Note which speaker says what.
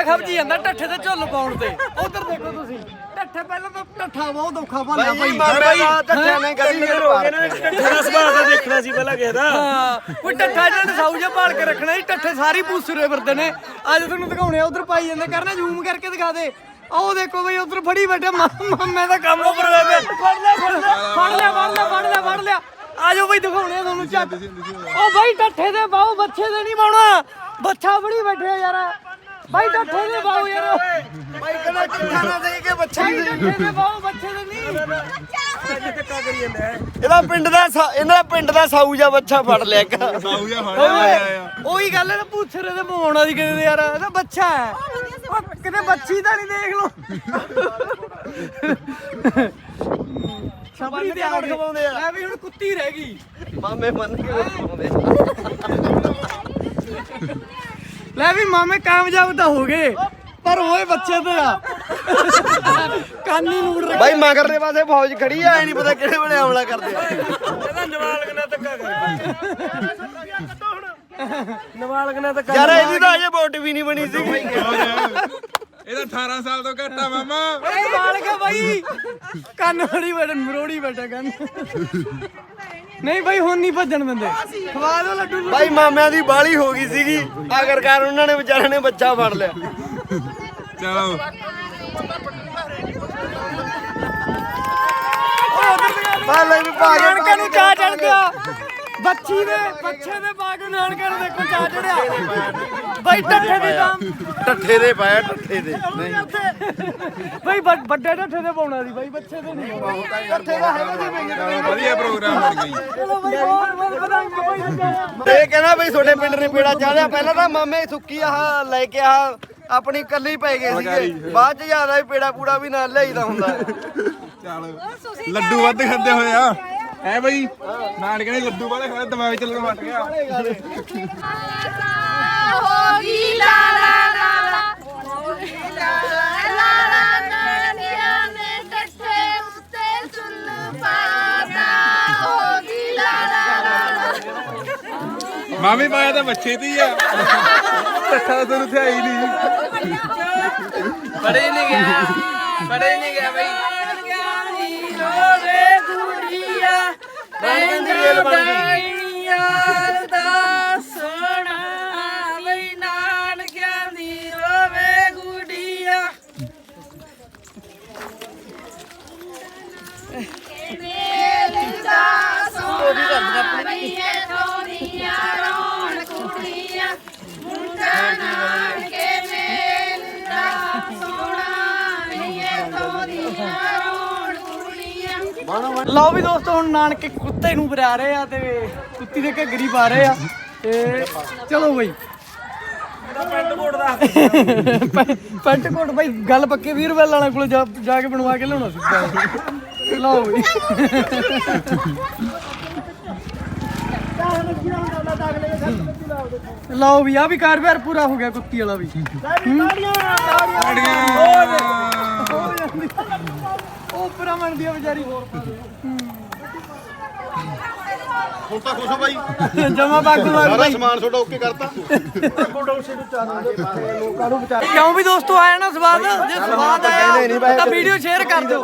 Speaker 1: ਖਬਜੀ ਜਾਂਦਾ ਟੱਠੇ ਤੇ ਝੁੱਲ ਪਾਉਣ ਤੇ। ਉਧਰ ਦੇਖੋ ਤੁਸੀਂ ਟੱਠੇ ਪਹਿਲਾਂ ਤਾਂ ਟੱਠਾ ਬਹੁਤ ਔਖਾ ਭਾਲਿਆ ਭਾਈ
Speaker 2: ਟੱਠਿਆਂ ਨੇ ਕਦੀ ਹੋ ਗਏ ਨਾ ਟੱਠੇ ਦਾ ਸੁਭਾਅ ਤਾਂ ਦੇਖਣਾ ਸੀ ਪਹਿਲਾਂ ਕਿਸੇ ਦਾ।
Speaker 1: ਕੋਈ ਟੱਠਾ ਜਿਹੜਾ ਸਾਊ ਜਿਹਾ ਭਾਲ ਕੇ ਰੱਖਣਾ ਸੀ। ਟੱਠੇ ਸਾਰੇ ਪੂਸਰੇ ਫਿਰਦੇ ਨੇ। ਅੱਜ ਤੁਹਾਨੂੰ ਦਿਖਾਉਣੇ ਆ ਉਧਰ ਪਾਈ ਜਾਂਦੇ ਕਰਨਾ ਜ਼ੂਮ ਕਰਕੇ ਦਿਖਾ ਦੇ। ਆਹ ਦੇਖੋ ਬਈ ਉਧਰ ਫੜੀ ਬੈਠੇ ਮਾਮੇ ਦਾ ਕੰਮ ਉੱਪਰ ਹੋਇਆ ਫੜ ਲਿਆ ਆਜੋ ਬਈ ਦਿਖਾਉਣੇ ਆ ਤੁਹਾਨੂੰ ਚੱਕ। ਉਹ ਬਾਈ ਟੱਠੇ ਦੇ ਬਾਹੂ ਬੱਚੇ ਦੇ ਨਹੀਂ ਪਾਉਣਾ। ਬੱਚਾ ਬੜੀ ਬੈਠੇ ਯਾਰ ਬਾਈ ਟੱਠੇ ਦੇ ਬਾਹੂ ਯਾਰ
Speaker 2: ਬਾਈ ਕਹਿੰਦਾ ਟੱਠਾ ਨਾ ਦੇ ਕੇ ਬੱਚੇ
Speaker 1: ਟੱਠੇ ਦੇ ਬਾਹੂ ਬੱਚੇ ਦੇ ਨਹੀਂ।
Speaker 2: ਧੱਕਾ ਕਰੀ ਜਾਂਦਾ ਇਹਦਾ ਪਿੰਡ ਦਾ ਸਾਊ ਜਿਹਾ ਬੱਚਾ ਫੜ ਲਿਆ ਇੱਕ ਸਾਊ ਜਿਹਾ ਫੜ ਲਿਆ।
Speaker 1: ਉਹੀ ਗੱਲ ਹੈ ਨਾ ਪੂਛਰੇ ਦੇ ਮਵਾਉਣਾ ਦੀ ਕਿਤੇ ਯਾਰ ਇਹਦਾ ਬੱਚਾ ਹੈ। ਉਹ ਕਿਤੇ ਬੱਚੀ ਤਾਂ ਨਹੀਂ ਦੇਖ ਲੋ।
Speaker 2: ਸਭੀ ਤੇ ਆੜ ਖਵਾਉਂਦੇ ਆ।
Speaker 1: ਐ ਵੀ ਹੁਣ ਕੁੱਤੀ ਰਹਿ ਗਈ।
Speaker 2: ਮਾਮੇ ਮੰਨ ਕੇ ਖਵਾਉਂਦੇ।
Speaker 1: ਲੈ ਵੀ ਮਾਮੇ ਕਾਮਯਾਬ ਤਾਂ ਹੋ ਗਏ ਪਰ ਹੋਏ ਬੱਚੇ ਤੇ ਆ। ਕਾਨੀ ਨੂੜ ਰੱਖ
Speaker 2: ਬਾਈ ਮਗਰਲੇ ਪਾਸੇ ਫੌਜ ਖੜੀ ਆ। ਐ ਨਹੀਂ ਪਤਾ ਕਿਹੜੇ ਵੇਲੇ ਹਮਲਾ ਕਰਦੇ ਆ।
Speaker 1: ਇਹਦਾ ਨਵਾਲਕ ਨਾਲ ਧੱਕਾ ਕਰ। ਨਵਾਲਕ ਨਾਲ ਧੱਕਾ
Speaker 2: ਯਾਰ ਇਹਦੀ ਤਾਂ ਅਜੇ ਵੋਟ ਵੀ ਨਹੀਂ ਬਣੀ ਸੀ।
Speaker 3: ਇਹਦਾ 18 ਸਾਲ ਤੋਂ ਘੱਟ ਆ ਮਾਮਾ।
Speaker 1: ਇਹ ਨਵਾਲਕ ਆ ਬਾਈ। ਕੰਨ ਫੜੀ ਬੈਠਾ ਮਰੋੜੀ ਬੈਠਾ ਕੰਨ। ਨਹੀਂ ਬਾਈ ਹੁਣ ਨਹੀਂ ਭੱਜਣ ਦਿੰਦੇ। ਖਵਾ ਦੋ ਲੱਡੂ।
Speaker 2: ਬਾਈ ਮਾਮਿਆਂ ਦੀ ਬਾਲੀ ਹੋ ਗਈ ਸੀਗੀ ਆਖਰਕਾਰ ਉਹਨਾਂ ਨੇ ਵਿਚਾਰਿਆਂ ਨੇ ਬੱਚਾ ਫੜ ਲਿਆ।
Speaker 3: ਚਲੋ
Speaker 2: ਬਾਲੇ ਵੀ ਪਾ ਕੇ
Speaker 1: ਨਾਨਕੇ ਨੂੰ ਚਾਹ ਚੜ ਗਿਆ। ਬੱਚੇ ਦੇ ਪਾ ਕੇ ਨਾਨਕੇ ਨੂੰ ਦੇਖੋ ਚਾਹ ਚੜਿਆ। ਬਾਈ ਟੱਠੇ ਦੀ ਕੰਮ
Speaker 2: ਟੱਠੇ ਦੇ ਪਾਇਆ ਟੱਠੇ ਦੇ
Speaker 1: ਬਾਈ ਵੱਡੇ ਟੱਠੇ ਦੇ ਪਾਉਣਾ ਸੀ ਬਾਈ ਬੱਚੇ ਦੇ ਨਹੀਂ। ਟੱਠੇ ਦਾ ਹੈਗਾ ਸੀ ਬਾਈ।
Speaker 3: ਵਧੀਆ ਪ੍ਰੋਗਰਾਮ ਬਣ ਗਈ।
Speaker 1: ਚਲੋ ਬਾਈ ਬਹੁਤ ਵਧਾਈਆਂ ਬਾਈ।
Speaker 2: ਇਹ ਕਹਿੰਦਾ ਬਈ ਤੁਹਾਡੇ ਪਿੰਡ ਨੇ ਪੇੜਾ ਚਾੜਿਆ। ਪਹਿਲਾਂ ਤਾਂ ਮਾਮੇ ਸੁੱਕੀ ਆਹ ਲੈ ਕੇ ਆਹ ਆਪਣੀ ਕੱਲੀ ਪੈ ਗਏ ਸੀਗੇ। ਬਾਅਦ ਚ ਜ਼ਿਆਦਾ ਪੇੜਾ ਪੂੜਾ ਵੀ ਨਾਲ ਲਿਆਈਦਾ ਹੁੰਦਾ।
Speaker 3: ਚਲ ਲੱਡੂ ਵੱਧ ਖਾਂਦੇ ਹੋਏ ਆ ਹੈ ਬਈ। ਨਾਨਕੇ ਨੇ ਲੱਡੂ ਵਾਲੇ ਖਾਏ ਦਿਮਾਗ ਚੱਲਣ ਮੱਟ ਗਿਆ।
Speaker 4: ਹੋਗੀ ਲਾ ਲਾ ਲਾ ਹੋਗੀ ਲਾ ਲਾ ਲਾ ਨਾਨੀਆਂ ਨੇ ਟੱਠੇ ਉੱਤੇ ਚੁੱਲ ਪਾਤਾ। ਹੋਗੀ ਲਾ ਲਾ ਲਾ
Speaker 3: ਮਾਮੀ ਪਾਇਆ ਤਾਂ ਬੱਚੇ ਦੀ ਆ। ਟੱਠਾ ਤੁਹਾਨੂੰ ਤੇ ਆਈ ਨਹੀਂ।
Speaker 1: ਪੜੇ ਨਹੀਂ ਗਿਆ ਬਾਈ। ਰੋਵੇ ਗੁੜੀਆ ਯਾਰ ਦਾ ਸੋਹਣਾ ਬਈ ਨਾਨਕਿਆਂ ਦੀ ਰੋਵੇ ਗੁੜੀਆ।
Speaker 4: ਮੇਲ ਦਾ ਸੋਹਣਾ ਬਈਏ ਥੋੜੀਆਂ ਰੋਣ ਕੁੜੀਆਂ। ਮੁੰਡਾ ਨਾਨਕੇ ਮੇਲ ਦਾ ਸੋਹਣਾ ਬਈਏ ਥੋੜੀਆਂ ਰੋਣ ਕੁੜੀਆਂ।
Speaker 1: ਲਓ ਵੀ ਦੋਸਤੋ ਹੁਣ ਨਾਨਕੇ ਕੁੱਤੇ ਨੂੰ ਬਰਾ ਰਹੇ ਆ ਤੇ ਕੁੱਤੀ ਦੇ ਘੱਗਰੀ ਪਾ ਰਹੇ ਆ ਤੇ ਚਲੋ ਬਈ। ਪੈਂਟ ਕੋਟ ਬਾਈ ਗੱਲ ਪੱਕੇ 20 ਰੁਪਏ ਵਾਲਾ ਕੋਲ ਜਾ ਕੇ ਬਣਵਾ ਕੇ ਲਿਆਉਣਾ ਸੀ। ਲਓ ਬਈ ਲਓ ਵੀ ਆ ਵੀ ਕਾਰਵਾਰ ਪੂਰਾ ਹੋ ਗਿਆ ਕੁੱਤੀ ਵਾਲਾ ਵੀ। ਉਹ ਪਰਾ ਮੰਨਦੀ ਆ ਵਿਚਾਰੀ।
Speaker 5: ਹੁਣ ਤਾਂ ਖੁਸ਼ ਹੋ ਬਾਈ।
Speaker 1: ਜਮਾ ਬਾਗੂ
Speaker 5: ਸਾਰਾ ਸਮਾਨ ਤੁਹਾਡਾ ਓਕੇ ਕਰਤਾ।
Speaker 1: ਕਿਉਂ ਵੀ ਦੋਸਤੋ ਆਇਆ ਨਾ ਸਵਾਦ। ਜੇ ਸਵਾਦ ਆਇਆ ਤਾਂ ਵੀਡੀਓ ਸ਼ੇਅਰ ਕਰ ਦਿਓ।